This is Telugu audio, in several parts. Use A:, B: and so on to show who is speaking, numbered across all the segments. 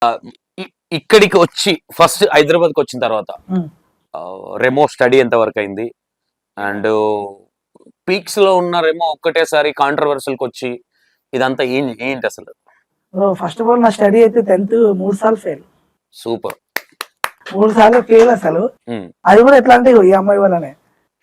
A: ఇక్కడికి వచ్చి ఫస్ట్ హైదరాబాద్కి వచ్చిన తర్వాత రెమో స్టడీ ఎంత వరకు అయింది అండ్ పీక్స్ లో ఉన్న రెమో ఒక్కటేసారి కాంట్రవర్సల్కి వచ్చి ఇదంతా ఏంటి అసలు?
B: ఫస్ట్ ఆఫ్ ఆల్ నా స్టడీ అయితే 10th 3 సార్లు ఫెయిల్.
A: సూపర్.
B: 3 సార్లు ఫెయిల్ అసలు. అది కూడా ఎట్లా అంటే ఈ అమ్మాయి వల్లనే.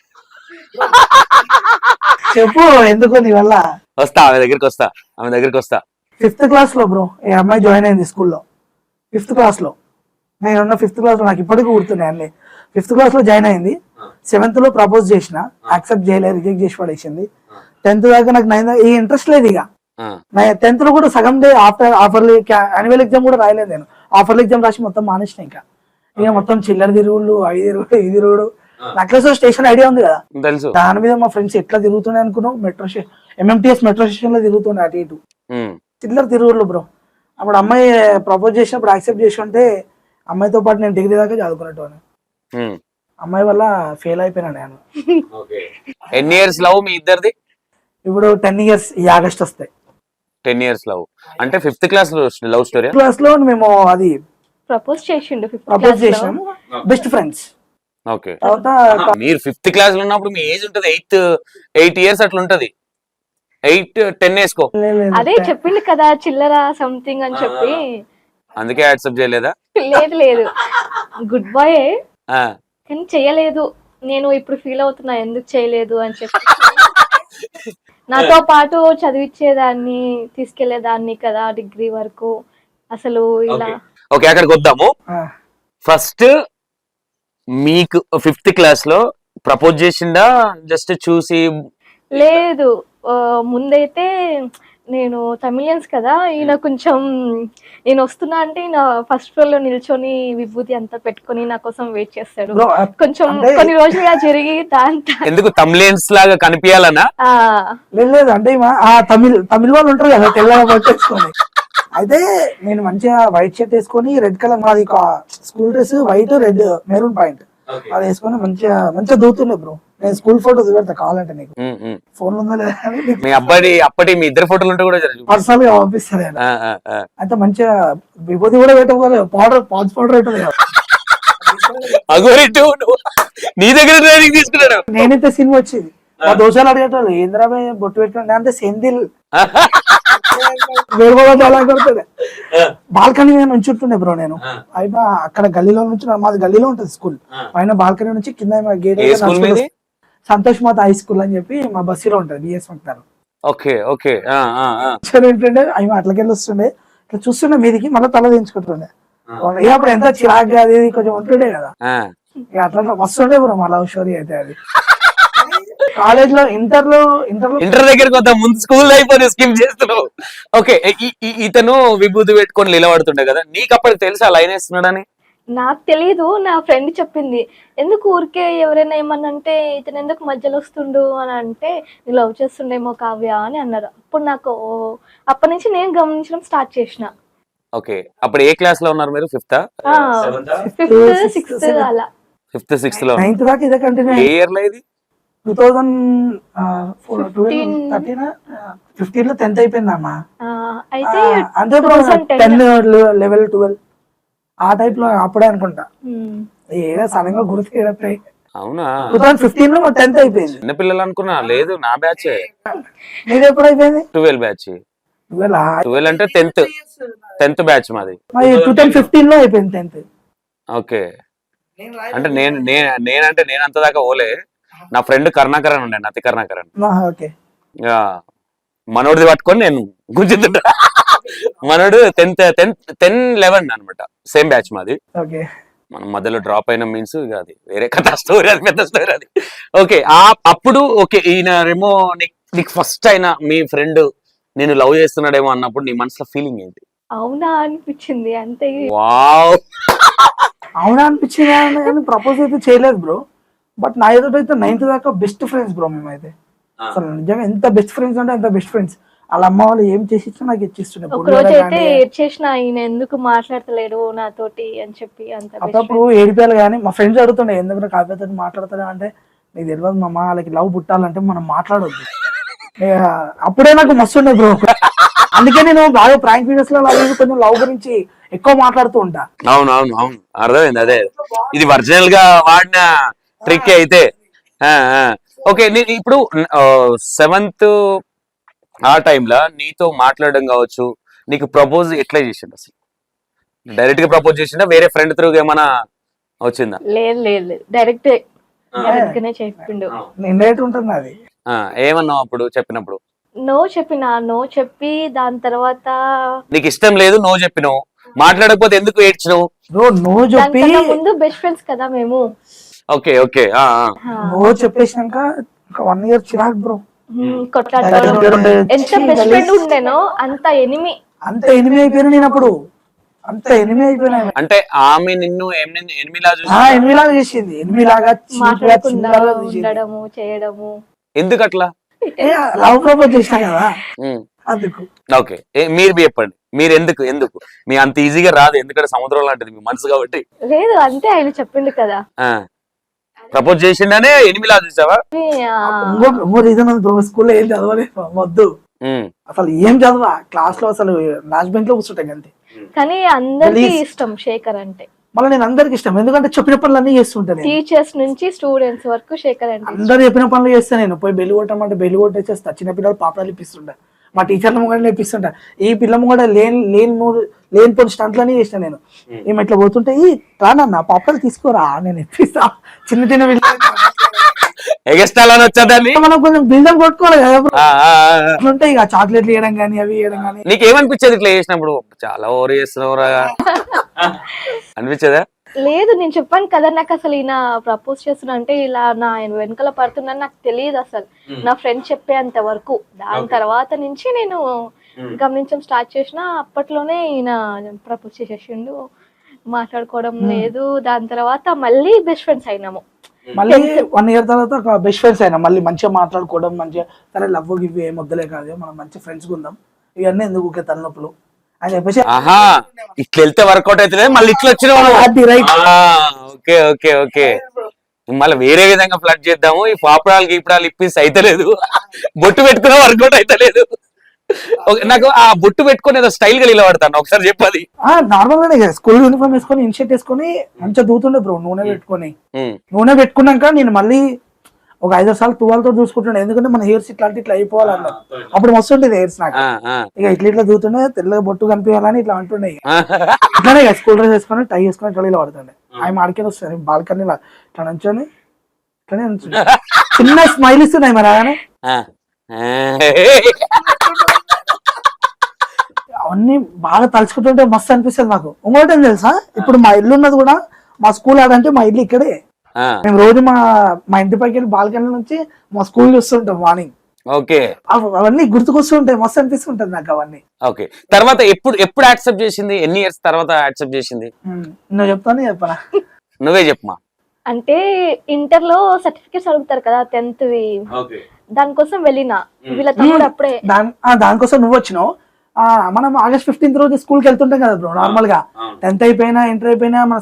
B: చెప్పు ఎందుకు నీ వల్ల?
A: వస్తా ఆమె దగ్గరికి వస్తా.
B: 5th క్లాస్ లో బ్రో ఈ అమ్మాయి జాయిన్ అయింది స్కూల్లో. 5th క్లాస్ లో నేనున్న 5th క్లాస్ లో నాకు ఇప్పటికీ గుర్తున్నాయి అన్ని. 5th క్లాస్ లో జాయిన్ అయింది. 7th లో ప్రపోజ్ చేసిన, యాక్సెప్ట్ చేయలేదు, రిజెక్ట్ చేసి పడేసింది. 10th దాకా నాకు 9 ఈ ఇంట్రెస్ట్ లేదు. ఇక 10th లో కూడా సగం డే ఆఫర్లీ యాన్యువల్ ఎగ్జామ్ కూడా రాయలేదు నేను. ఆఫర్లీ ఎగ్జామ్ రాసి మొత్తం మానేసిన. ఇక మొత్తం చిల్లర తిరుగుళ్ళు, అవి తిరుగుడు, ఇది తిరుగుడు. నక్లెస్ స్టేషన్ ఐడియా ఉంది కదా,
A: తెలుసు.
B: దాని మీద మా ఫ్రెండ్స్ ఎట్లా తిరుగుతున్నాయి అనుకున్నావు, metro station MMTS metro station లో తిరుగుతుండే అటు ఇటు చిల్లర తిరుగుళ్ళు బ్రో. అప్పుడు అమ్మాయి ప్రపోజ్ చేసినప్పుడు యాక్సెప్ట్ చేసి ఉంటే అమ్మాయితో పాటు నేను డిగ్రీ దాకా చదువుకున్నట్టు. అమ్మాయి వల్ల ఫెయిల్ అయిపోయినా నేను.
A: ఎన్ని ఇయర్స్ లవ్ మీ ఇద్దరిది?
B: ఇప్పుడు 10 years ఈ ఆగస్ట్ వస్తాయి.
A: 10 years లవ్ అంటే 5th class love story.
B: Class లో మేము అది
C: ప్రపోజ్ చేసిండు.
B: ప్రపోజ్ చేసాం, బెస్ట్ ఫ్రెండ్స్.
A: ఓకే. మీరు 5th క్లాస్ లో ఉన్నప్పుడు మీ ఏజ్ ఉంటది 8 years అట్లా ఉంటది. 8-10 వేసుకో.
C: అదే చెప్పిండు కదా చిల్లర సంథింగ్ అని చెప్పి,
A: అందుకే యాక్సెప్ట్ చేయలేదా?
C: లేదు గుడ్ బాయ్ కానీ చెయ్యలేదు. నేను ఇప్పుడు ఫీల్ అవుతున్నా ఎందుకు చేయలేదు అని చెప్పి. నాతో పాటు చదివించేదాన్ని, తీసుకెళ్లేదాన్ని కదా డిగ్రీ వరకు. అసలు ఇలా
A: ఓకే అక్కడికి వద్దాము. ఫస్ట్ మీకు 5th క్లాస్ లో ప్రపోజ్ చేసిండా జస్ట్ చూసి?
C: లేదు, ముందైతే నేను తమిళియన్స్ కదా, ఈయన కొంచెం నేను వస్తున్నా అంటే ఈయన ఫస్ట్ ఫ్లోర్ లో నిల్చొని విభూతి అంతా పెట్టుకొని నా కోసం వెయిట్ చేస్తాడు. కొంచెం కొన్ని రోజులుగా జరిగి
A: ఎందుకు తమిళియన్స్ లాగా కనిపించాలనా?
B: లేదు అంటే తమిళ వాళ్ళు ఉంటారు కదా తెల్లగా పట్టేసుకొని. అయితే నేను మంచిగా వైట్ షర్ట్ వేసుకొని, రెడ్ కలర్ మాది school dress, white red maroon point అది వేసుకొని మంచిగా దూతుండే బ్రో. నేను స్కూల్ ఫోటోస్ పెడతా కావాలంటే నీకు, ఫోన్ ఉందా లేదా
A: మీ అప్పటి మీ ఇద్దరు ఫోటోలు ఉంటే కూడా
B: పర్సనల్ గా పంపిస్తాను. అయితే మంచిగా విభూతి కూడా పెట్టకపోతే పాన్స్ పౌడర్ పెట్టదు.
A: నీ దగ్గర ట్రైనింగ్ తీసుకున్నాడు.
B: నేనైతే సినిమా వచ్చింది మా దోషాలు అడిగేటోళ్ళు ఏంద్రాబాయ్ బొట్టు పెట్టుకోండి అంటే సెందిల్ అలా కొడుతుండే. బాల్కనీ నుంచి ఉంటుండే బ్రో నేను. అయినా అక్కడ గల్లీలో నుంచి, మాది గల్లీలో ఉంటుంది స్కూల్, పైన బాల్కనీ నుంచి కింద గేట్ సంతోష్ మాత హై స్కూల్ అని చెప్పి మా బస్సులో ఉంటది బిఎస్ మక్తారు. ఏంటంటే అవి అట్లకెళ్ళి వస్తుండే, ఇట్లా చూస్తుండే మీదికి, మళ్ళీ తల దించుకుంటుండే. అప్పుడు ఎంత చిరాగ్గా అది కొంచెం ఉంటుండే కదా, అట్లా వస్తుండే బ్రో మా లవ్ స్టోరీ అయితే. అది కాలేజ్ లో ఇంటర్
A: దగ్గరికి వద్దాం, ముందు స్కూల్ అయిపోయి స్కిప్ చేస్తున్నావు. ఓకే, ఇతను విభూతి పెట్టుకొని నిలబడుతుండే కదా, నీకు అప్పటికి తెలుసా లైన్ వేస్తున్నాడని?
C: నాకు తెలీదు, నా ఫ్రెండ్ చెప్పింది. ఎందుకు ఊరికే ఎవరైనా ఏమన్నంటే ఇతను ఎందుకు మధ్యలో వస్తుండు అని అంటే, నేను లవ్ చేస్తుండేమో కావ్య అని అన్నారు. అప్పుడు నాకు అప్పటి నుంచి నేను గమనించడం స్టార్ట్ చేసిన.
A: ఓకే, అప్పుడు ఏ క్లాస్ లో ఉన్నారు మీరు? 5th
C: 6th అలా.
A: 5th 6th లో.
B: 9th దాకా ఇదే కంటిన్యూ.
A: ఏ ఇయర్ లో ఇది?
B: 2015 లో 10th అయిపోయిందమ్మా.
C: అయితే
B: అంటే 10 11 12 ఆ టైప్ లో అప్పుడే అనుకుంటా. ఏదో సడన్ గా గుర్తు.
A: అవునా?
B: 2015 లో 10th అయిపోయింది.
A: చిన్న పిల్లలు అనుకున్నా, లేదు నా బ్యాచ్.
B: నీది ఎప్పుడు అయిపోయింది?
A: 12 బ్యాచ్. 12 అంటే 10th బ్యాచ్ మాది.
B: 2015 లో అయిపోయింది 10th.
A: ఓకే, అంటే నేను అంత దాకా ఓలే. నా ఫ్రెండ్ కరుణాకరన్ ఉండే, నతి కరుణాకరన్. మనోడిది పట్టుకొని నేను గుంజుతుంటా. మనోడు 10-11 అనమాట, సేమ్ బ్యాచ్ మాది. మనం మధ్యలో డ్రాప్ అయిన మీన్స్ అది వేరే కథ, స్టోరీ, అది పెద్ద స్టోరీ అది. ఓకే, అప్పుడు ఓకే ఈయనరేమో నీకు ఫస్ట్ అయినా మీ ఫ్రెండ్ నేను లవ్ చేస్తున్నాడేమో అన్నప్పుడు నీ మనసులో ఫీలింగ్ ఏంటి?
C: అవునా అనిపించింది అంతే.
A: వావ్,
B: అవునా అనిపించింది. ప్రపోజ్ అయితే చేయలేదు బ్రో, బట్ నా ఎదుటైతే 9th దాకా బెస్ట్ ఫ్రెండ్స్ బ్రో మేమైతే. అసలు నిజంగా ఎంత బెస్ట్ ఫ్రెండ్స్ అంటే అంత బెస్ట్ ఫ్రెండ్స్. వాళ్ళ అమ్మ వాళ్ళు ఏం చేసి ఇచ్చినా నాకు ఇచ్చిస్తుండే.
C: ఒక రోజు అయితే ఏడ్చేసిన, ఆయన ఎందుకు మాట్లాడతలేడు నాతోటి అని చెప్పి. అంత
B: అప్పుడు ఏడిపోయాలి. కానీ మా ఫ్రెండ్స్ అడుగుతుండే ఎందుకు కావ్యతో మాట్లాడతాడు అంటే, నీకు తెలియదు మా వాళ్ళకి లవ్ పుట్టాలంటే మనం మాట్లాడొద్దు. అప్పుడే నాకు మస్తు ఉండే బ్రో. అందుకే నేను బాగా ప్రాంక్ వీడియోస్ లో కొంచెం లవ్ గురించి ఎక్కువ మాట్లాడుతూ ఉంటా.
A: అవును అవును అవును అర్థమైంది. అదే ఇది ఒరిజినల్ గా వాడిన ట్రిక్ అయితే. ఓకే, నేను ఇప్పుడు 7th ఆ టైంలో నీతో మాట్లాడడం కావచ్చు, నీకు ప్రపోజ్ ఎట్లా చేసిండు అసలు? డైరెక్ట్ గా ప్రపోజ్ చేసిండా, వేరే ఫ్రెండ్ త్రూ ఏమైనా వచ్చిందా?
C: లేదు లేదు లేదు, డైరెక్ట్ గానే చెప్పిండు.
B: ఇండైరెక్ట్ ఉంటుంది అది.
A: ఏమన్నావు అప్పుడు చెప్పినప్పుడు?
C: నో చెప్పి దాని తర్వాత
A: నీకు ఇష్టం లేదు, నో చెప్పినావు, మాట్లాడకపోతే ఎందుకు ఏడ్చినావు?
B: బ్రో నో చెప్పి
C: దానికన్నా ముందు బెస్ట్ ఫ్రెండ్స్ కదా మేము.
A: ఓకే ఓకే
B: నో చెప్పేసినాక ఒక 1 year చిరాకు బ్రో.
C: కొట్లాడుకోవడం. ఎంత బెస్ట్ ఫ్రెండ్ ఉండేనో అంత ఎనిమి.
B: అంత ఎనిమి అయిపోయినా నేను అప్పుడు, అంత ఎనిమి అయిపోయినా.
A: అంటే ఆమె నిన్ను ఎనిమిలా చూసి
B: ఎనిమిలాగా చేసింది, ఎనిమిలాగా
C: మాట్లాడకుండా ఉండడము చేయడము.
A: ఎందుకు అట్లా?
B: లవ్ ప్రపోజ్ చేసినా కదా అందుకు.
A: ఓకే, మీరు చెప్పండి, మీరు ఎందుకు ఎందుకు మీ అంత ఈజీగా రాదు? ఎందుకంటే సముద్రం లాంటిది మీ మనసు కాబట్టి.
C: లేదు అంటే ఆయన చెప్పిండు కదా.
A: ప్రపోజ్ చేసిండనే ఎనిమిలా చూసావా?
B: ఇంకో రీజన్ ఉంది బ్రో, స్కూల్లో ఏం చదవలేదు వద్దు అసలు, ఏం చదవా క్లాస్ లో అసలు లాస్ట్ బెంచ్ లో కూర్చుంటాయి అంతే.
C: కానీ అందరికీ ఇష్టం శేఖర్ అంటే.
B: మళ్ళీ నేను అందరికి ఇష్టం, ఎందుకంటే చెప్పిన పనులు అన్ని చేస్తుంటాను.
C: టీచర్స్ నుంచి స్టూడెంట్స్ వరకు శేఖర్ అంటే
B: అందరు చెప్పిన పనులు చేస్తాను నేను. పోయి బెల్లి కొట్టమంటే బెల్లి కొట్టేసేస్తా. చిన్న పిల్లలు పాపడాలు ఇప్పిస్తుంటా, మా టీచర్ల ముంగడ నేర్పిస్తుంటా. ఈ పిల్లము కూడా లేని కొన్ని స్టంట్లన్నీ చేసిన నేను. ఏమి ఇట్లా పోతుంటే ఈ రానన్న పాపడాలు తీసుకోరా నేను ఇప్పిస్తా. చిన్న చిన్న
A: ఎగస్టాలని వచ్చేదాన్ని
B: మనం కొంచెం బిల్డప్ కొట్టుకోవాలి కదా. అట్లుంటాయి ఇక చాక్లెట్లు ఇవ్వడం కానీ అవి ఇవ్వడం కానీ.
A: నీకేమనిపించేది ఇట్లా చేసినప్పుడు? చాలా ఓవర్ చేస్తున్నావురా అనిపించేదా?
C: లేదు, నేను చెప్పాను కదా, నాకు అసలు ఈయన ప్రపోజ్ చేస్తున్నా అంటే ఇలా నా వెనకాల పడుతున్నాను నాకు తెలియదు అసలు. నా ఫ్రెండ్ చెప్పేంత వరకు. దాని తర్వాత నుంచి నేను గమనించడం స్టార్ట్ చేసిన. అప్పట్లోనే ఈయన ప్రపోజ్ చేసేసిండు. మాట్లాడుకోవడం లేదు. దాని తర్వాత మళ్ళీ బెస్ట్ ఫ్రెండ్స్ అయినాము.
B: మళ్ళీ 1 year తర్వాత బెస్ట్ ఫ్రెండ్స్ అయినా. మళ్ళీ మంచిగా మాట్లాడుకోవడం, మంచిగా సరే లవ్ గివ్ ఏం వద్దలే కాదు, మనం మంచి ఫ్రెండ్స్ ఉందాం, ఇవన్నీ ఎందుకు తలనొప్పులు అని చెప్పేసి.
A: ఇట్లా వెళ్తే వర్కౌట్ అవుతుంది, మళ్ళీ ఇట్లా వచ్చిన. ఓకే ఓకే ఓకే, మళ్ళీ వేరే విధంగా ఫ్లడ్ చేద్దాము. ఈ పాపడాలు గీపడాలు ఇప్పిస్తే అయితలేదు, బొట్టు పెట్టుకున్నా వర్కౌట్ అయితలేదు. నాకు ఆ బొట్టు పెట్టుకుని ఏదో స్టైల్ గా నిలబడతాను, ఒకసారి చెప్పది.
B: నార్మల్ గానే స్కూల్ యూనిఫామ్ వేసుకొని ఇన్షర్ట్ వేసుకొని మంచిగా దూతుండే బ్రో. నూనె పెట్టుకున్నాక నేను మళ్ళీ ఒక 5 సార్లు తువాలతో చూసుకుంటుండే, ఎందుకంటే మన హెయిర్స్ ఇట్లా అయిపోవాలన్న. అప్పుడు మస్తు ఉంటుంది హెయిర్స్ నాకు. ఇక ఇట్లా దూతుండే, తెల్లగా బొట్టు కనిపించాలని ఇట్లా అంటుండే. ఇట్లానే స్కూల్ డ్రెస్ వేసుకొని టై వేసుకొని ఇట్లా ఇలా పడుతుండే. ఆయన మాడికెళ్ళి వస్తుంది బాల్కనీ ఇట్లా నుంచొని ఇట్లానే చిన్న స్మైల్ ఇస్తున్నాయి మరి అలానే. అవన్నీ బాగా తలుచుకుంటుంటే మస్తు అనిపిస్తుంది నాకు. ఇంకోటి ఏం తెలుసా, ఇప్పుడు మా ఇల్లు ఉన్నది కూడా మా స్కూల్ ఆడంటే మా ఇల్లు ఇక్కడే. మేము రోజు మా ఇంటి పైకి వెళ్ళి బాల్కనీ నుంచి మా స్కూల్ చూస్తుంటాం మార్నింగ్.
A: ఓకే,
B: అవన్నీ గుర్తుకొస్తుంటాయి, మస్తు అనిపిస్తుంటది నాకు అవన్నీ.
A: ఓకే, తర్వాత ఎప్పుడు యాక్సెప్ట్ చేసింది? ఎన్ని ఇయర్స్ తర్వాత యాక్సెప్ట్ చేసింది?
B: నువ్వు చెప్తాను చెప్పనా?
A: నువ్వే చెప్పమా.
C: అంటే ఇంటర్ లో సర్టిఫికేట్స్ అడుగుతారు కదా 10th వి, దానికోసం వెళ్ళిన. వీళ్ళ తమ్ముడు అప్పుడే
B: దానికోసం నువ్వు వచ్చినావు. మనం August 15th రోజు స్కూల్ కి వెళ్తుంటాం కదా బ్రో. నార్మల్ గా 10th అయిపోయినా ఇంటర్ అయిపోయినా మన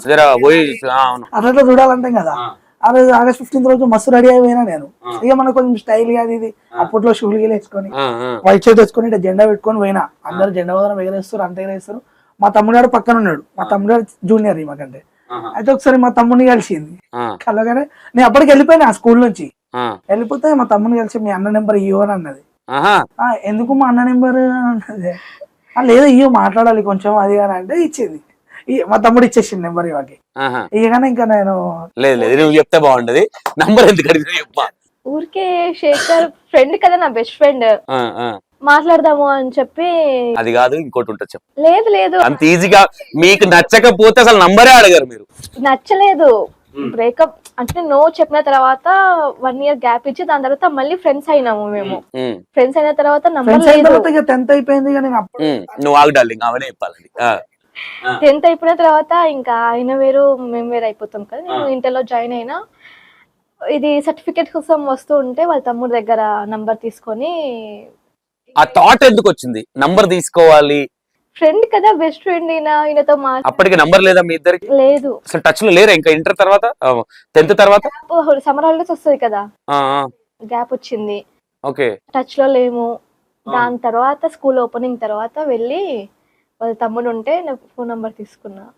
B: అట్లా చూడాలంటాం కదా. ఆ రోజు August 15th రోజు మస్తు రెడీ అయిపోయినా నేను. ఇక మనకు కొంచెం స్టైల్ గా ఇది అప్పట్లో షూలు గీలు వేసుకొని వైట్ షర్ట్ వేసుకొని ఇట్లా జెండా పెట్టుకొని పోయినా. అందరు జెండా వదనం ఎగరేస్తారు, అంత ఎగరేస్తారు. మా తమ్ముడు పక్కన ఉన్నాడు. మా తమ్ముడు జూనియర్ మాకంటే. అయితే ఒకసారి మా తమ్ముడిని కలిసింది కలగానే. నేను అప్పటికి వెళ్ళిపోయినా ఆ స్కూల్ నుంచి. వెళ్ళిపోతే మా తమ్ముడిని కలిసి మీ అన్న నెంబర్ ఇవ్వు అని అన్నది. ఎందుకు మా అన్న నెంబర్ అన్నది. లేదు ఇయ్యో మాట్లాడాలి కొంచెం అది అని అంటే ఇచ్చింది. మా తమ్ముడు ఇచ్చేసింది నెంబర్ ఇవాకి. ఇకనే ఇంకా నేను
A: లేదు చెప్తే బాగుంటది నంబర్ ఎందుకు చెప్పా.
C: ఊరికే శేఖర్ ఫ్రెండ్ కదా, నా బెస్ట్ ఫ్రెండ్, మాట్లాడదాము అని చెప్పి.
A: అది కాదు ఇంకోటి ఉంటుంది చెప్పు.
C: లేదు లేదు,
A: అంత ఈజీగా మీకు నచ్చకపోతే అసలు నంబరే అడగారు మీరు.
C: నచ్చలేదు, బ్రేకప్ అంటే నో చెప్పిన తర్వాత 1 year గ్యాప్ ఇచ్చి దాని తర్వాత మళ్ళీ ఫ్రెండ్స్ అయినాము మేము. ఫ్రెండ్స్ అయిన తర్వాత నంబర్ లేదు.
B: 10th అయిపోయింది.
A: నువ్వు ఆగు డార్లింగ్, అవనే చెప్పాలండి.
C: 10th అయిపోయిన తర్వాత ఇంకా ఆయన వేరు మేము వేరు అయిపోతాం కదా. నేను ఇంటర్ లో జాయిన్ అయినా. ఇది సర్టిఫికేట్ కోసం వస్తూ ఉంటే వాళ్ళ తమ్ముడు దగ్గర నంబర్ తీసుకొని.
A: ఆ థాట్ ఎందుకు వచ్చింది నంబర్ తీసుకోవాలి?
C: ఫ్రెండ్ కదా, బెస్ట్ ఫ్రెండ్ ఈయనతో
A: అప్పటికి నంబర్ లేదా మీ ఇద్దరికి?
C: లేదు,
A: అసలు టచ్ లో లేరా ఇంకా ఇంటర్ తర్వాత 10th తర్వాత?
C: సమ్మర్ హాలిడేస్ వస్తుంది కదా, గ్యాప్ వచ్చింది.
A: ఓకే,
C: టచ్ లో లేము. దాని తర్వాత స్కూల్ ఓపెనింగ్ తర్వాత వెళ్ళి వాళ్ళ తమ్ముడు ఉంటే నా ఫోన్ నంబర్ తీసుకున్నా.